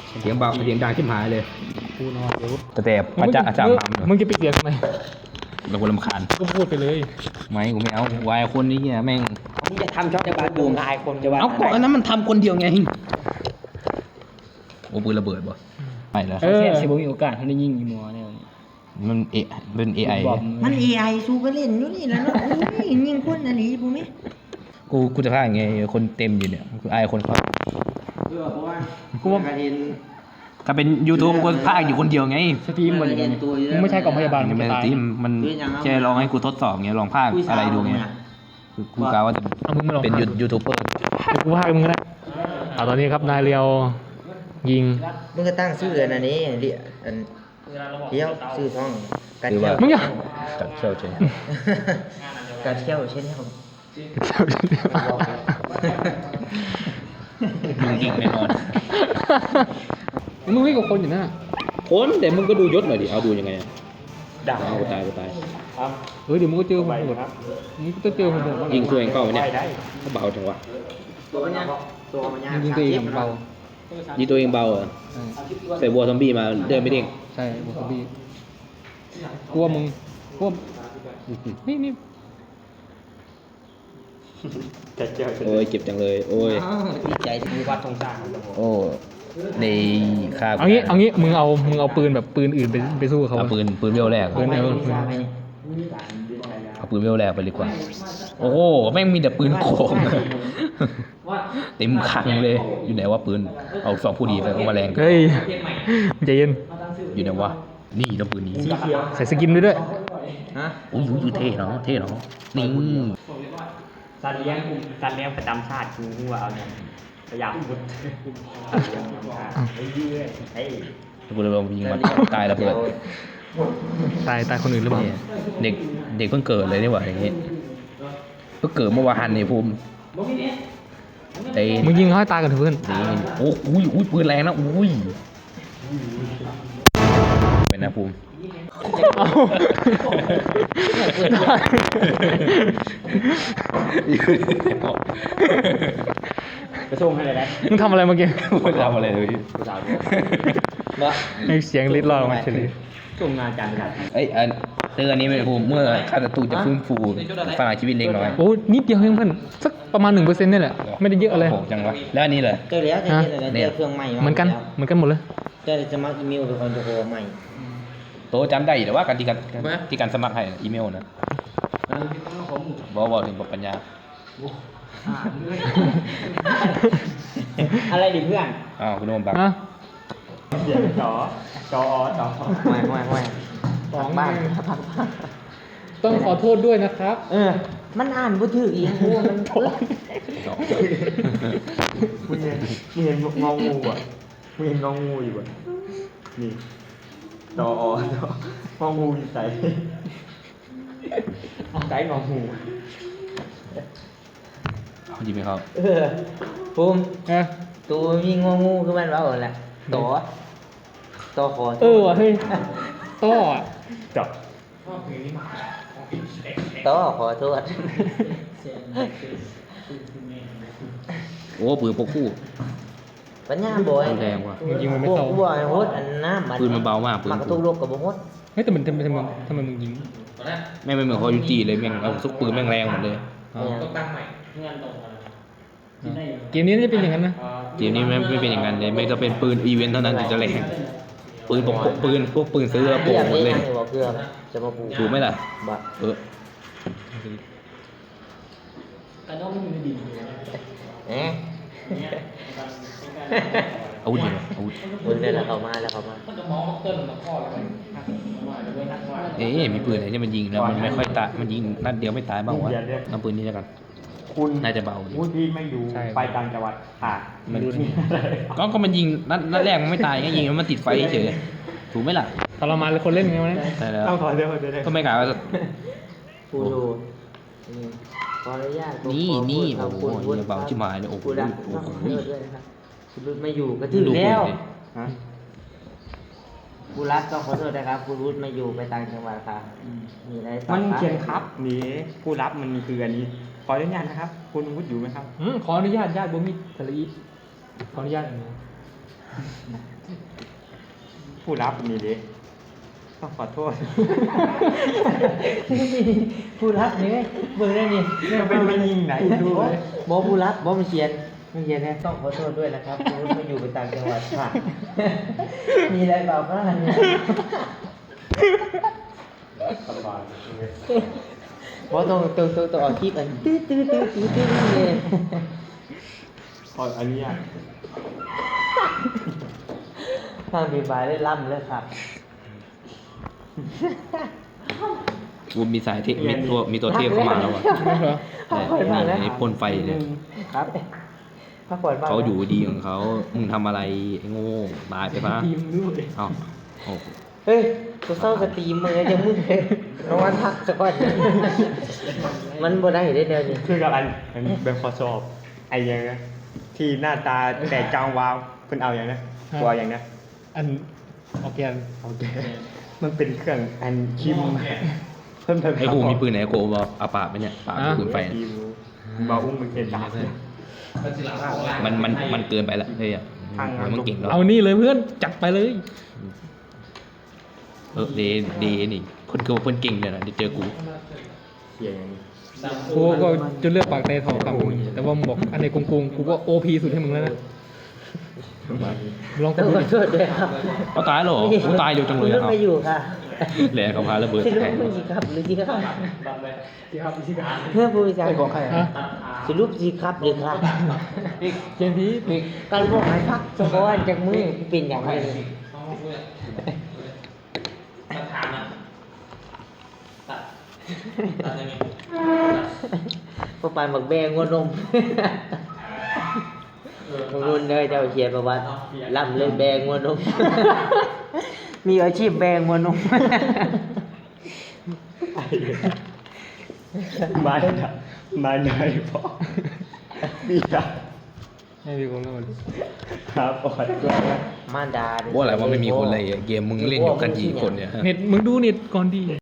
เสียงเบาเสียงดังชิบหายเลยกูนอนเดี๋ยวแต่พระเจ้าอาจารย์มึงจะปิดเสียงทำไมเราคนรำคาญก็พูดไปเลยไม่กูไม่เอาวายคนนี้เนี่ยแม่งมึงจะทำช่องจะบาบูมอายคนจะว่าเอาก่อนอันนั้นมันทำคนเดียวไงโอ้ปืนระเบิดบ่ไปแล้วเออสิบมีโอกาสเขาได้ยิงอีมัวเนี่ยมันเป็น AI มัน AI สู้ก็เล่นอยู่นี่แล้วเนาะอุ้ยยิงคนอันนี้ผมไหมกูจะพลาดไงคนเต็มอยู่เนี่ยคือไอ้คนเขาเพราะว่ากูว่าการเรียนถ้าเป็น YouTube กูพลาดอยู่คนเดียวไงสตรีมมันมึงไม่ใช่กล่องพยาบาลมันมึงไม่จะตายที่มันแค่ลองให้กูทดสอบไงลองพากอะไรดูไงคือกูกะว่าจะเอามึงมาลองเป็นทำยูทูบเบอร์เดี๋ยวกูพาไปมึงก็ได้ตอนนี้ครับนายเรียวยิงมึงก็ตั้งชื่ออันนี้เดี๋ยวอันเดี๋ยวชื่อช่องการเที่ยวมึงอย่าจัดเชี่ยวเชนการเที่ยวเช่นเดียวมึงยิงแน่นอนมึงวิ่งกับคนอยู่นะคนแต่มึงก็ดูยศหน่อยดิเอาดูยังไงด่ากูตายเดี๋ยวมึงก็เจอคนโหดมึงก็เจอคนโหดบ้างยิงตัวเองเข้าไปเนี่ยเขาเบาจังวะตัวมันยากตัวมันยากมึงยิงตัวเองเบายิงตัวเองเบาเหรอใส่วัวซอมบี้มาเดินไม่เด้งใช่บวกกับบีกลัวมึงกลัวนี่โอ้ยเจ็บจังเลยโอ้ยดีใจที่มีวัดทงชาติโอ้ในค่าเอางี้มึงเอาปืนแบบปืนอื่นไปสู้เขาเอาปืนเวลแรกปืนเอาปืนเวลแรกไปดีกว่า โอ้โหแม่งมีแต่ปืนโกงเต็มคลังเลยอยู่ไหนว่าปืนเอาสองผู้ดีไปเอามาแรงเฮ้ยใจเย็นอยู่ไหนวะนี่ต้องปืนนี้ใส่สกินด้วยฮะโอ้ยเท่เนาะนี่สัตว์เลี้ยงประจำชาติกูว่าเอาเนี่ยพยายามพุดเฮ้ยกูเลยลองยิงมันตายระเบิดตายคนอื่นหรือเปล่าเด็กเพิ่งเกิดเลยนี่หว่าอย่างงี้เพิ่งเกิดเมื่อวานนี่ภูมิไอ้มึงยิงเขาให้ตายกันเถอะเพื่อนนี่โอ้ยปืนแรงนะอุ้ยเป็นนะภูมิเอากระส่งให้เลยนะมึงทำอะไรเมื่อกี้ไม่ทำอะไรเลยไอเสียงลิ้นรอดออกมาเฉยส่งงานการประชาชนเอ้ยเตือนนี้เป็นภูมิเมื่อข้าศัตรูจะฟื้นฟูสลายชีวิตเล็กน้อยโอ้นิดเดียวเองเพื่อนสักประมาณ 1% นี่แหละไม่ได้เยอะอะไรโหจังวะแล้วอันนี้เลยเจอแล้วจะเจอแล้วเจอเครื่องใหม่เหมือนกันหมดเลยเจอจะมาอีเมลเป็นคนจะโทรใหม่โตจำได้แต่ว่าการที่การสมัครให้อีเมลนะบอกถึงปัญญาอะไรดิเพื่อนอ้าวคุณโนมบักฮะเสียงจอไม่ของบ้านต้องขอโทษด้วยนะครับมันอ่านบ่ถืออีกโอ้มันมึงเห็นงองูอ่ะมึงเห็นงองูอยู่อ่ะนี่จององูอยู่ใส่ใส่งองูเขายิงไม่เข้าภูมิเออตัวมีงองูคือมันว่าแหละต่อคอว่ะเฮ้ยต้ออะจับต่อขอโทษโอ้ปืนพกคู่ปัญญาบ่อยแรงว่ะมึงยิงมันไม่เข้าพวกบัวโหดอันน้ำปืนมันเบามากปืนมันกระตุกโลกกับบ่โหดเฮ้ยแต่มันทำไมมึงยิงแม่งไม่เหมือนคอยูจีเลยแม่งเอาซุกปืนแม่งแรงหมดเลยเกมนี้น่าจะเป็นอย่างนั้นนะเกมนี้ไม่เป็นอย่างนั้นเลยไม่จะเป็นปืนอีเวนต์เท่านั้นถึงจะแรงปืนพวกปืนซื้อแล้วโป่งหมดเลยบอกเพื่อจะมาปูถูกไหมล่ะบ่เออเอ๊ะอาวุธอยู่อาวุธมึงเดินแล้วเข้ามาเอ๊ะมีปืนไหนที่มันยิงแล้วมันไม่ค่อยตายมันยิงนัดเดียวไม่ตายบ้างวะเอาปืนนี้แล้วกันคุณน่าจะเบาพูดพี่ไม่อยู่ไปต่างจังหวัดค่ะมันก็มันยิงนัดแรกมันไม่ตายไงยิงแล้วมันติดไฟเฉยถูกไหมล่ะทรมานเลยคนเล่นไงวะเนี่ยใช่แล้วต้องขอเดี๋ยวก็ไม่กล่าวว่าปูดูขออนุญาตนี่โอ้โหเบาชิบหายเลยโอ้โหกูรักโอ้ขอโหโทษด้วยนะครับคุณรุดไม่อยู่ก็ถึงดูปืแล้วนดิฮะกูรักต้องขอโทษนะครับคุณรุดไม่อยู่ไปต่างจังหวัดครับมีอะไรต่อมันเขียนครับนี่ผู้รับมันคืออันนี้ขออนุญาตนะครับ คุณวุฒิอยู่ไหมครับขออนุญาตญาติบ่มีทะเลอีขออนุญาตผู้รับนี่ดิต้องขอโทษผู้รับนี่เบิ่งได้นี่เนี่ยเป็นมันยิงไหนดูเลยบอผู้รับบอมันเขียนนะต้องขอโทษด้วยนะครับคุณวุฒิมาอยู่ไปต่างจังหวัดค่ะ มีอะไรเปล่าบ้างเนี่ยบอต้องออกคลิปอันตื้อเลยขออนุญาตทางบีบายได้ล่ำเลยครับกูมีสายเทมีตัวเทพเข้ามาแล้วอ่ะ แต่นี่พ่นไฟเนี่ยครับพักผ่อนบ้างเขาอยู่ดีของเขามึงทำอะไรไอ้โง่ตายไปปะทีมด้วยเอ้าโอ้เฮ้ยกูเศร้าสตรีมมือจะมึงเลยน้องวันพักสักวันมันบ่ได้ได้เดียวนี่คือกับอันเป็นข้อสอบไอ้ยังนะที่หน้าตาแตกจางวาวเพิ่นเอาอย่างนะกลัวอย่างนะอันออกแกนโอเคมันเป็นเครื่องอันคิมเพิ่มไอ้กูมีปืนไหนกูบอกเอาปากไปเนี่ยปากปืนไฟเนี่ยบาอุ้มมันเกินดาบเลยมันเกินไปละเฮ้ยอ่ะมันเก่งแล้วเอานี่เลยเพื่อนจัดไปเลยเดนี่คนคือว่าคนเก่งเนี่ยนะที่เจอกูเสียอย่างนี้กูก็จะเลือกปากในทองคำแต่ว่ามึงบอกอันไหนโกงกูก็โอพีสุดให้มึงแล้วนะลองต้องกูขอโทษด้วยครับเขาตายแล้วเหรอกูตายเร็วจังเลยคุณอ่ะไม่อยู่ค่ะแหละเขาพาระเบิดสิลูแทกนมึงสิครับหรือสิครับฮะเพื่อผู้วิจารณ์ของใครสิลูกสิครับหรือครับเกมพีการบอกให้พักเฉพาะวันจากมือเป็นอย่างไรพอปานบักแบงงัวนมรุ่นเลยเจ้าเขียนประวัติล่ำเลยแบงงัวนม มีอาชีพแบงงัวนมมาได้พอมีอะให้พี่คนก็มันครับปอดด้วยนะมารดาว่าอะไรว่าไม่มีคนเลยเกมมึงเล่นอยู่กันกี่คนเนี่ยเน็ตมึงดูเน็ตก่อนดี